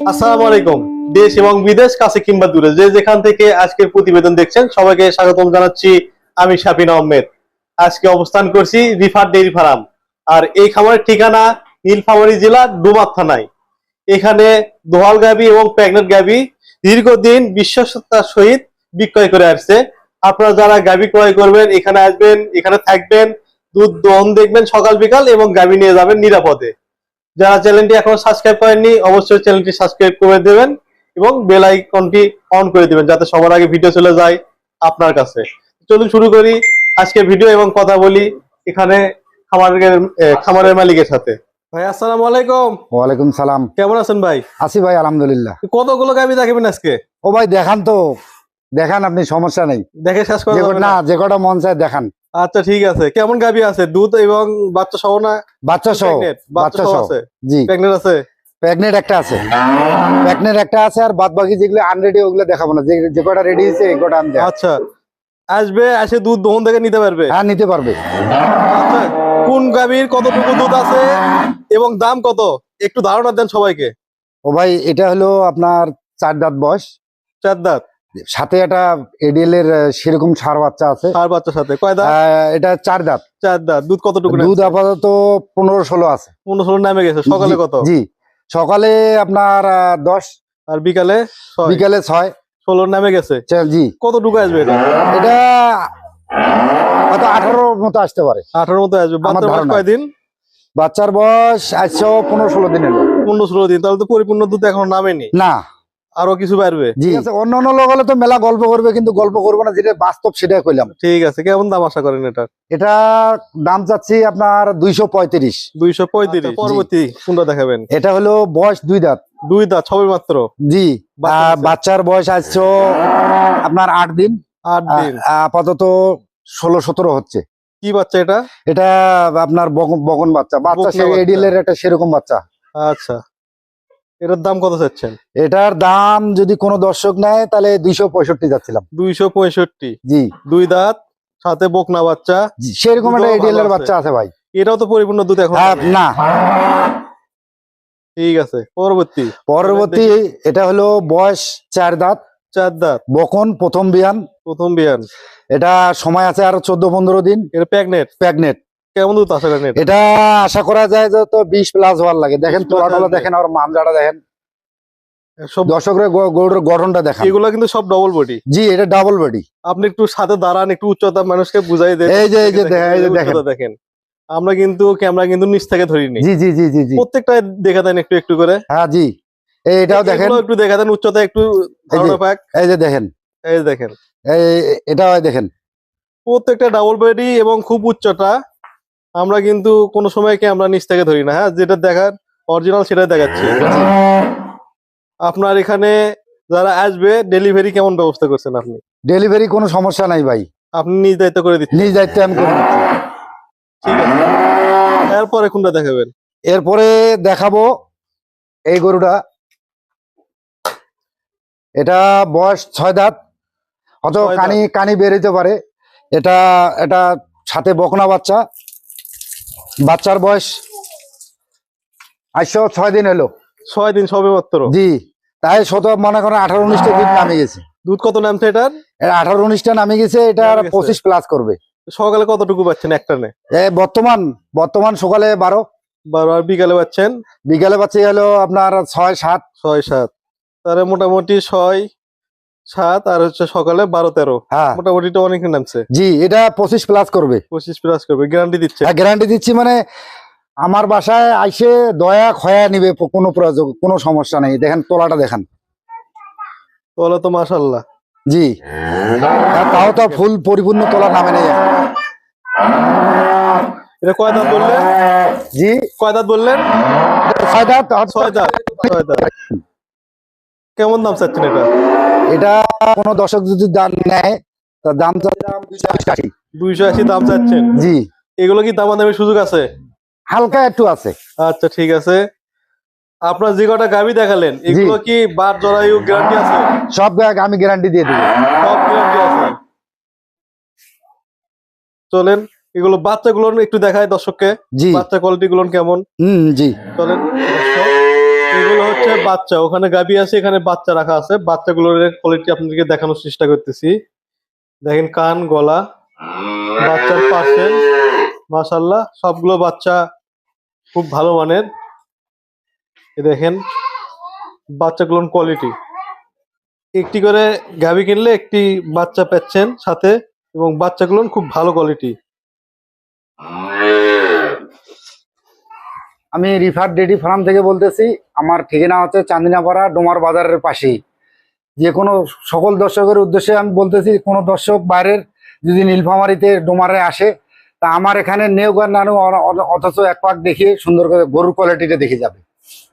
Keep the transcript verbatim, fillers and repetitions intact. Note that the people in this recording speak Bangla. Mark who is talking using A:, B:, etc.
A: আসসালামু আলাইকুম। দেশ এবং বিদেশ কাছে কিংবা দূরে যে যেখান থেকে আজকের প্রতিবেদন দেখছেন সবাইকে স্বাগতম জানাচ্ছি। আমি শাফিন আহমেদ। আজকে অবস্থান করছি রিফার ডেইরি ফার্ম। আর এই খামারের ঠিকানা নীলফামারী জেলা ডুমার থানায়। এখানে দোয়াল গাভী এবং প্রেগনেন্ট গাভী দীর্ঘদিন বিশ্বস্ততার সহিত বিক্রয় করে আসছে। আপনারা যারা গাভী ক্রয় করবেন এখানে আসবেন, এখানে থাকবেন, দুধ দহন দেখবেন সকাল বিকাল এবং গাভী নিয়ে যাবেন নিরাপদে। যারা চ্যানেলটি এখনো সাবস্ক্রাইব করেননি অবশ্যই চ্যানেলটি সাবস্ক্রাইব করে দেবেন এবং বেল আইকনটি অন করে দিবেন যাতে সবার আগে ভিডিও চলে যায় আপনার কাছে। চলুন শুরু করি আজকে ভিডিও এবং কথা বলি এখানে খামারের খামারের মালিকের সাথে। ভাই আসসালামু আলাইকুম।
B: ওয়ালাইকুম সালাম।
A: কেমন আছেন ভাই?
B: আছি ভাই আলহামদুলিল্লাহ।
A: কতগুলো গাভী দেখাবেন আজকে?
B: ও ভাই দেখান তো, দেখান, আপনি সমস্যা নেই,
A: দেখে শেষ করা যাবে
B: না, যে কটা মন চায় দেখান।
A: আচ্ছা ঠিক আছে। কেমন গাভী আছে? দুধ এবং বাচ্চা সহ না?
B: বাচ্চা সহ।
A: বাচ্চা সহ আছে?
B: জি।
A: প্রেগনেন্ট আছে?
B: প্রেগনেন্ট একটা আছে, প্রেগনেন্ট একটা আছে, আর বাদ বাকি যেগুলো আনরেডি ওগুলো দেখাবো না, যে যে কটা রেডি হয়েছে এই কটা আমি দেখাবো।
A: আচ্ছা, আসবে এসে দুধ দহন থেকে নিতে পারবে?
B: হ্যাঁ নিতে পারবে।
A: আচ্ছা, কোন গাভীর কতটুকু দুধ আছে এবং দাম কত একটু ধারণা দেন সবাইকে।
B: ও ভাই এটা হলো আপনার চার দাঁত বয়স,
A: চার দাঁত,
B: সাথে একটা এডিএল এর সেরকম সার বাচ্চা আছে।
A: সার বাচ্চার সাথে কয় দাঁত?
B: এটা চার দাঁত।
A: চার দাঁত। দুধ কতটুকু?
B: দুধ আপাতত পনেরো ষোলো আছে।
A: পনেরো ষোলো নামে গেছে। সকালে কত?
B: জি, সকালে আপনার দশ,
A: আর বিকালে
B: বিকালে ছয়।
A: ষোলোর নামে গেছে।
B: জি।
A: কতটুকু আসবে এটা?
B: এটা হয়তো আঠারোর মতো আসতে পারে।
A: আঠারোর মতো আসবে। বাচ্চার বয়স কয়দিন?
B: বাচ্চার বয়স আজও পনেরো ষোলো দিন এলো।
A: পনেরো ষোলো দিন, তাহলে তো পরিপূর্ণ দুধ এখনো নামেনি।
B: না,
A: আরো কিছু পারবে।
B: জি। অন্য অন্য লোক হলে তো মেলা গল্প করবে, কিন্তু গল্প করবো না, যেটা বাস্তব সেটাই কইলাম।
A: ঠিক আছে। কেমন দাম আশা করেন এটা?
B: এটা দাম চাচ্ছি আপনার দুইশো পঁয়ত্রিশ।
A: দুইশো পঁয়ত্রিশ। পরবর্তী কোনটা দেখাবেন?
B: এটা হলো বয়স দুই দাঁত।
A: দুই দাঁত সবে মাত্র?
B: জি। বাচ্চার বয়স আসছো আপনার আট দিন।
A: আট দিন।
B: আপাতত ষোলো সতেরো হচ্ছে।
A: কি বাচ্চা এটা?
B: এটা আপনার বগন বাচ্চা। বাচ্চা এডিএল এর একটা সেরকম বাচ্চা।
A: আচ্ছা, এটার দাম কত চাচ্ছেন?
B: এটার দাম যদি কোনো দর্শক নেয় তাহলে দুইশো পঁয়ষট্টি যাচ্ছিলাম।
A: দুইশো পঁয়ষট্টি।
B: জি।
A: দুই দাঁত, সাথে বকনা বাচ্চা,
B: সেরকম একটা এডিএল এর বাচ্চা আছে ভাই।
A: এটাও তো পরিপূর্ণ দুধ এখন
B: না।
A: ঠিক আছে। পরবর্তী
B: পরবর্তী এটা হলো বয়স চার দাঁত।
A: চার দাঁত।
B: বকন প্রথম বিয়ান।
A: প্রথম বিয়ান।
B: এটা সময় আছে আরো চোদ্দ পনেরো দিন।
A: এটা প্রেগনেন্ট?
B: প্রেগনেন্ট।
A: কেমন দুধ আশা করেন?
B: এটা আশা করা যায় যে তো বিশ প্লাস হওয়ার লাগে। দেখেন তোলাটা দেখেন, আর মানজাটা দেখেন, দর্শকরা গরুর গঠনটা দেখেন।
A: এগুলো কিন্তু সব ডবল বডি।
B: জি, এটা ডাবল বডি।
A: আপনি একটু সাথে দাঁড়ান, একটু উচ্চতা মানুষকে বুঝাই দেন।
B: এই যে এই যে দেখেন
A: দেখেন, আমরা কিন্তু ক্যামেরা কিন্তু নিচ থেকে ধরিনি।
B: জি জি জি জি জি।
A: প্রত্যেকটা দেখা দেন একটু একটু করে।
B: হ্যাঁ জি। এইটাও দেখেন,
A: একটু দেখা দেন উচ্চতা একটু ধারণা পাক।
B: এই যে দেখেন,
A: এই যে দেখেন,
B: এই এটাও দেখেন,
A: প্রত্যেকটা ডাবল বডি এবং খুব উচ্চতা। আমরা কিন্তু কোনো সময় ক্যামেরা নিচ থেকে ধরি না। হ্যাঁ, যেটা দেখার অরিজিনাল সেটাই দেখাচ্ছি। আপনার এখানে যারা আসবে ডেলিভারি কেমন ব্যবস্থা করছেন আপনি?
B: ডেলিভারি কোনো সমস্যা নাই ভাই,
A: আপনি নিজ দায়িত্ব করে দিচ্ছেন?
B: নিজ দায়িত্বে আমি করে দিচ্ছি।
A: ঠিক আছে। এরপরে কোনটা দেখাবেন?
B: এরপরে দেখাবো এই গরুটা। এটা বয়স ছয় দাঁত, অত কানি কানি বের হইতে পারে। এটা এটা সাথে বকনা বাচ্চা। বাচ্চার বয়স আজও ছয় দিন হলো।
A: ছয় দিন সবে মাত্র?
B: জি। তাই শত মনে করেন আঠারো উনিশটা দুধ নামে গেছে।
A: দুধ কত নামছে এটার?
B: আঠারো উনিশটা নামে গেছে। এটা পঁচিশ প্লাস করবে।
A: সকালে কতটুকু পাচ্ছেন একটা নে?
B: বর্তমান বর্তমান সকালে বারো।
A: বারো। আর বিকালে পাচ্ছেন?
B: বিকালে পাচ্ছি হলো আপনার ছয় সাত।
A: ছয় সাত। তাহলে মোটামুটি ছয় সাত আর হচ্ছে সকালে বারো তেরো।
B: হ্যাঁ,
A: মোটামুটি অনেক নামছে।
B: জি, এটা পঁচিশ প্লাস করবে।
A: পঁচিশ প্লাস করবে, গ্যারান্টি দিচ্ছে?
B: হ্যাঁ, গ্যারান্টি দিচ্ছি। মানে আমার বাসায় আইসে দয়া খয়া নিবে, কোনো প্রয়োজন, কোনো সমস্যা নেই। দেখেন তোলাটা দেখেন।
A: তোলা তো মাশাআল্লাহ।
B: জি। তাও তো ফুল পরিপূর্ণ তোলা নামে নেই।
A: এটা কয় দাঁত বললেন?
B: জি,
A: কয় দাঁত বললেন?
B: ছয় দাঁত।
A: ছয় দাঁত। ছয় দাঁত। কেমন দাম চাচ্ছেন এটা?
B: এটা কোনো দর্শক যদি দাম নেয় তার দাম
A: দুইশো আশি দাম চাচ্ছেন?
B: জি।
A: এগুলো কি দামাদামি সুযোগ আছে?
B: হালকা একটু আছে।
A: আচ্ছা ঠিক আছে। আপনার যে কটা গাভী দেখালেন এগুলো কি বার জরায়ু গ্যারান্টি আছে?
B: সব আমি গ্যারান্টি দিয়ে দেব।
A: সব গ্যারান্টি আছে। চলেন এগুলো বাচ্চাগুলো একটু দেখায় দর্শককে। বাচ্চা কোয়ালিটি গুলো কেমন?
B: হুম জি।
A: চলেন। এগুলো হচ্ছে বাচ্চা, ওখানে গাভী আছে, এখানে বাচ্চা রাখা আছে। বাচ্চাগুলোর কোয়ালিটি আপনাদেরকে দেখানোর চেষ্টা করতেছি। দেখেন কান, গলা, বাচ্চার পার্সেন্ট, মাশাআল্লাহ সবগুলো বাচ্চা খুব ভালো মানের। এই দেখেন বাচ্চাগুলোর কোয়ালিটি। একটি করে গাভী কিনলে একটি বাচ্চা পাচ্ছেন সাথে, এবং বাচ্চাগুলো খুব ভালো কোয়ালিটি।
B: আমি রিফার ডেইরি ফার্ম থেকে বলতেছি। আমার ঠিকানা হচ্ছে চান্দিনাপাড়া ডোমার বাজারের পাশেই। যে কোনো সকল দর্শকের উদ্দেশ্যে আমি বলতেছি, কোনো দর্শক বাইরের যদি নীলফামারীতে ডোমারে আসে, তা আমার এখানে নেও আর নানু অথচ এক পাক দেখিয়ে সুন্দর করে গরুর কোয়ালিটিটা দেখে যাবে।